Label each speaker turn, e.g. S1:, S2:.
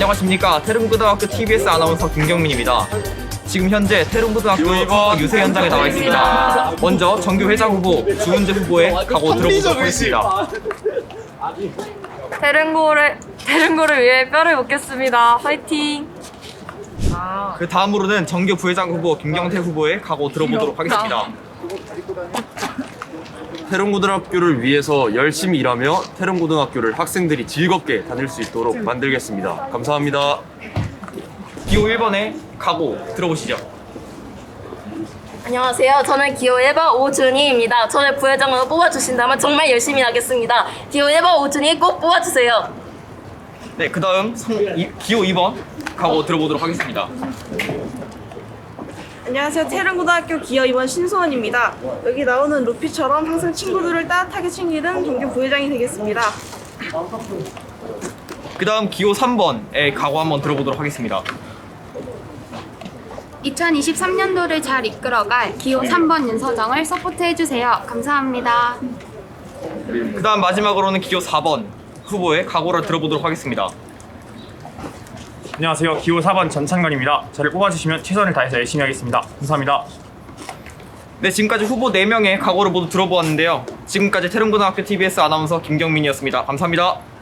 S1: 안녕하십니까. 태릉고등학교 TBS 아나운서 김경민입니다. 지금 현재 태릉고등학교 유세 현장에 나와 있습니다. 먼저 정규 회장 후보 주은재 후보의 각오 들어보도록 하겠습니다.
S2: 태릉고를 위해 뼈를 묻겠습니다. 화이팅!
S1: 그 다음으로는 정규 부회장 후보 김경태 후보의 각오 들어보도록 하겠습니다.
S3: 태릉고등학교를 위해서 열심히 일하며 태릉고등학교를 학생들이 즐겁게 다닐 수 있도록 만들겠습니다. 감사합니다.
S1: 기호 1번의 각오 들어보시죠.
S2: 안녕하세요. 저는 기호 1번 오준희입니다. 저를 부회장으로 뽑아주신다면 정말 열심히 하겠습니다. 기호 1번 오준희 꼭 뽑아주세요.
S1: 네, 그 다음 기호 2번 각오 들어보도록 하겠습니다.
S4: 안녕하세요. 태릉고등학교 기호 2번 신소원입니다. 여기 나오는 루피처럼 항상 친구들을 따뜻하게 챙기는 정규 부회장이 되겠습니다.
S1: 그 다음 기호 3번의 각오 한번 들어보도록 하겠습니다.
S5: 2023년도를 잘 이끌어갈 기호 3번 윤서정을 서포트해주세요. 감사합니다.
S1: 그 다음 마지막으로는 기호 4번 후보의 각오를 들어보도록 하겠습니다.
S6: 안녕하세요. 기호 4번 전찬건입니다. 저를 뽑아주시면 최선을 다해서 열심히 하겠습니다. 감사합니다.
S1: 네, 지금까지 후보 4명의 각오를 모두 들어보았는데요. 지금까지 태릉고등학교 TBS 아나운서 김경민이었습니다. 감사합니다.